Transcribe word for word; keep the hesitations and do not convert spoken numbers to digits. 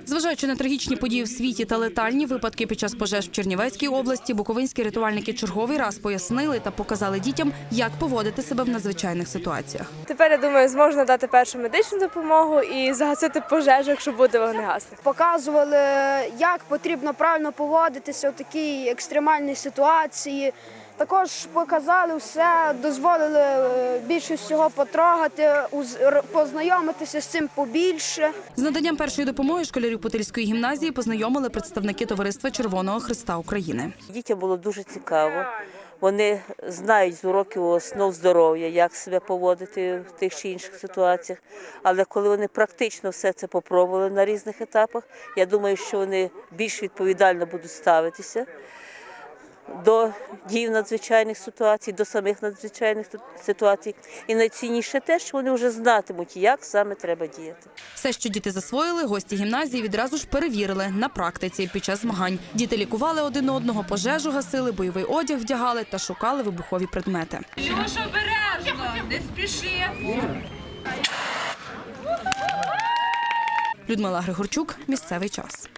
Зважаючи на трагічні події в світі та летальні випадки під час пожеж в Чернівецькій області, буковинські рятувальники черговий раз пояснили та показали дітям, як поводити себе в надзвичайних ситуаціях. Тепер, я думаю, зможу надати першу медичну допомогу і загасити пожежу, якщо буде вогнегасник. Показували, як потрібно правильно поводитися у такій екстремальній ситуації. Також показали все, дозволили більше всього потрогати, познайомитися з цим побільше. З наданням першої допомоги школярів Путильської гімназії познайомили представники Товариства Червоного Хреста України. Дітям було дуже цікаво. Вони знають з уроків основ здоров'я, як себе поводити в тих чи інших ситуаціях. Але коли вони практично все це попробували на різних етапах, я думаю, що вони більш відповідально будуть ставитися до дій в надзвичайних ситуацій, до самих надзвичайних ситуацій. І найцінніше те, що вони вже знатимуть, як саме треба діяти. Все, що діти засвоїли, гості гімназії відразу ж перевірили на практиці під час змагань. Діти лікували один одного, пожежу гасили, бойовий одяг вдягали та шукали вибухові предмети. Що ж обережно, не спіши. Людмила Григорчук, місцевий час.